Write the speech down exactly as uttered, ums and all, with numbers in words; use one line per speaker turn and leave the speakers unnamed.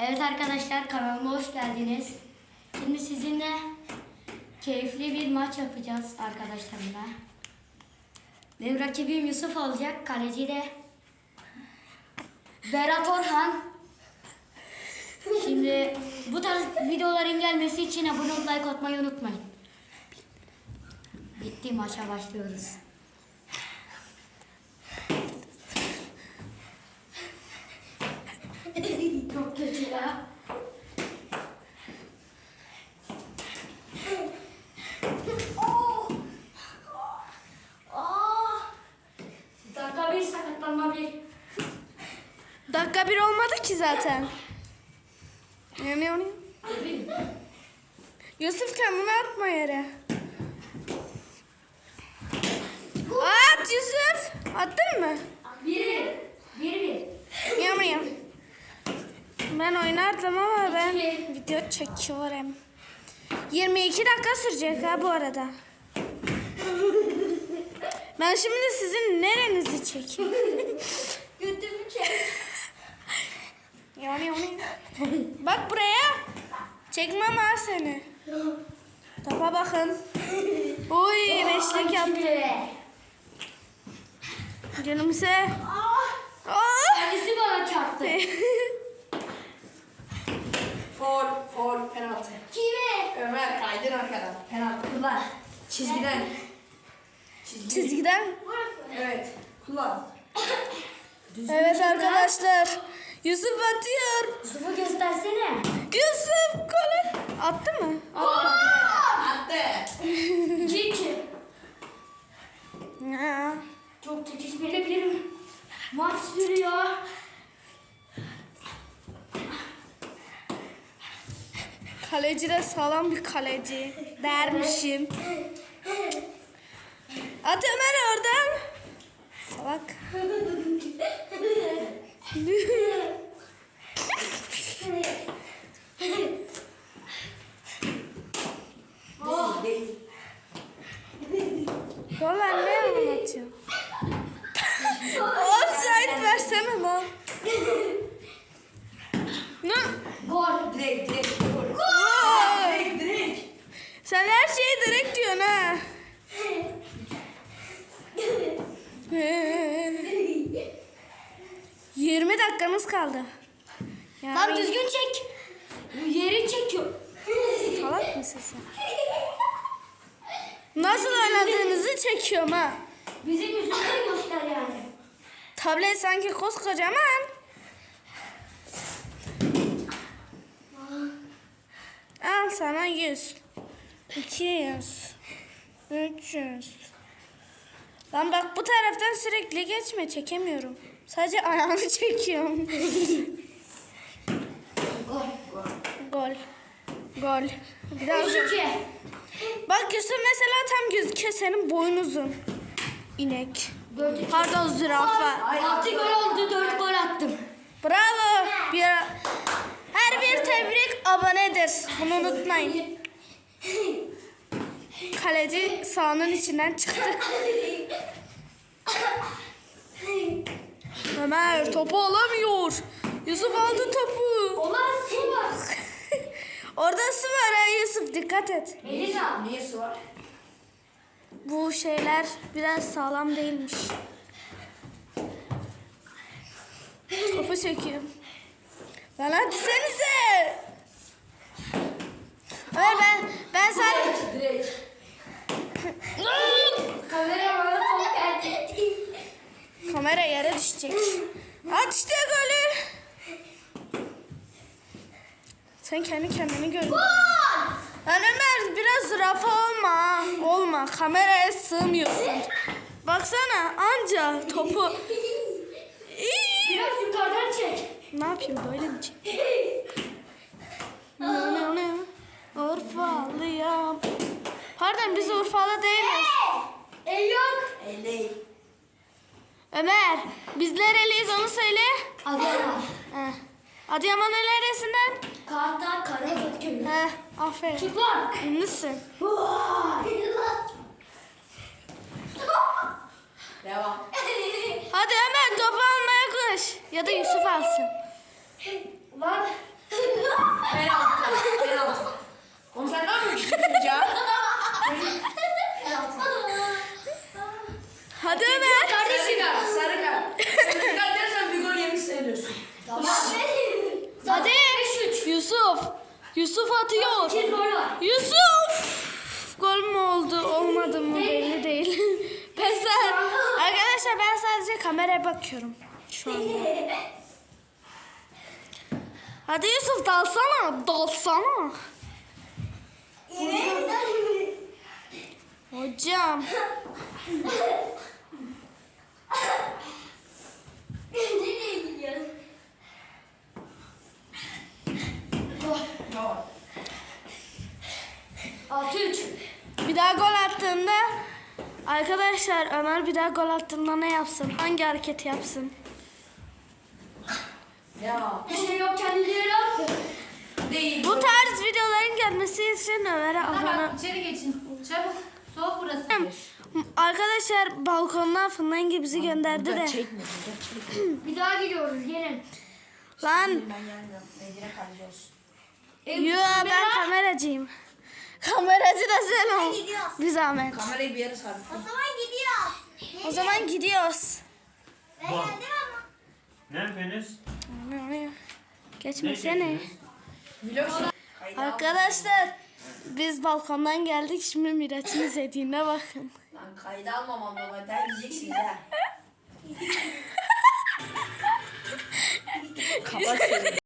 Evet arkadaşlar, kanalıma hoş geldiniz. Şimdi sizinle keyifli bir maç yapacağız arkadaşlarımla. Benim rakibim Yusuf olacak. Kaleci de Berat Orhan. Şimdi bu tarz videoların gelmesi için abone olup like atmayı unutmayın. Bitti, maça başlıyoruz. Çok kötü ya. Oh! Oh! Dakika bir sakatlanma bir.
Dakika bir olmadı ki zaten. Ne ne ne? Yusuf kendini atma yere. At Yusuf. Attın mı?
Bir bir. Bir bir.
Yam yam. Ben oynardım ama ben video çekiyorum. yirmi iki dakika sürecek ha bu arada. Ben şimdi sizin nerenizi çekeyim?
Götümü çek.
Yani yani. Bak buraya. Çekmem ha seni. Topa bakın. Uy beşlik yaptı. Canımse. Oh.
Kendisi bana çarptı.
Foul, foul, penaltı.
Kime?
Ömer kaydın arkadan. Penaltı kullan. Çizgiden. Çizgi.
Çizgiden.
Evet, kullan.
Evet arkadaşlar. Yusuf atıyor.
Yusuf'u göstersene.
Yusuf gol attı mı?
Attı.
İki iki.
Ya.
Çok çekişmeli bir maç sürüyor.
Kaleci de sağlam bir kaleci dermişim. At Ömer oradan. Salak.
Oh.
Değil.
Gol ne anlatıyor? Offside versene lan. Ne?
Gol.
Direkt, direkt. Gol.
Gol.
Direkt, direkt.
Sen her şeyi direkt diyorsun ha. yirmi dakikamız kaldı. Yani
Lan düzgün çek. Yeri çekiyor.
salak mısın sen? Nasıl oynadığınızı çekiyorum ha.
Bizim yüzümüzü göster yani.
Tablet sanki koskocaman. Al sana yüz. iki yüz. üç yüz. Lan bak bu taraftan sürekli geçme, çekemiyorum. Sadece ayağını çekiyorum.
Gol.
Gol. Gol. Bir daha
Üç
gol.
iki.
Bak Yusuf mesela tam gözüküyor, senin boyun uzun. İnek.
Dört iki.
Pardon zürafa.
Altı gol oldu, dört gol attım.
Bravo. Bir, her bir tebrik abonedir. Bunu unutmayın. Kaleci sahanın içinden çıktı. Ömer topu alamıyor. Yusuf aldı topu.
Olan su var.
Orada su var ha Yusuf, dikkat et.
Melisa.
Niye su var?
Bu şeyler biraz sağlam değilmiş. Topu çekiyorum. Lan hadi senize. Ömer ben ben sadece
Direkt.
Kamera bana top geldi.
kamera yere düşecek. At işte golü. Sen kendi kendini gör. Lan Ömer biraz zürafa olma. Olma. Kameraya sığmıyorsun. Baksana anca topu. İyi.
Biraz yukarıdan çek.
Ne yapayım, böyle mi çek? Ne ne ne? Urfalıyam. Pardon, biz Urfalı değiliz.
El yok.
elli.
Ömer biz nereliyiz onu söyle.
Adıyaman.
Heh. Adıyaman'ın neresinden?
Kartal Karagöz köyü.
Heh, aferin.
Çık lan.
Ünlüsün.
Devam.
Hadi Ömer topu almaya koş. Ya da Yusuf alsın.
Lan.
Yusuf atıyor.
İki gol var.
Yusuf! Gol mü oldu, olmadı mı belli değil. Ben sa- Arkadaşlar ben sadece kameraya bakıyorum şu anda. Hadi Yusuf dalsana, dalsana. Hocam.
Nereye gidiyorsun? Altı üç.
Bir daha gol attığında arkadaşlar Ömer bir daha gol attığında ne yapsın? Hangi hareketi yapsın?
Ya.
Bir şey yok, kendileri attı.
Değil.
Bu tarz videoların gelmesi için Ömer'e abone.
Bak içeri geçin. Çabuk. Soğuk burası.
Arkadaşlar balkondan fındık bizi gönderdi de.
Çekme. Burada çekme.
Bir daha gidiyoruz, gelin.
Lan
Ben gelmiyorum. Medine kalıcı olsun.
yo ben kameracıyım. Kameracı da sen ol. Bir zahmet.
Kamerayı bir yere sabit.
O zaman gidiyoruz.
O zaman gidiyoruz.
Ben geldim ama.
Ne yapıyorsunuz? Ne
Geçmesene.
çekiyorsunuz?
Vlog Kaydı al.
Arkadaşlar biz balkondan geldik şimdi Miraç'ın izlediğine bakın.
Lan kaydı almamam baba. Der diyeceksiniz ha. Kapat şunu.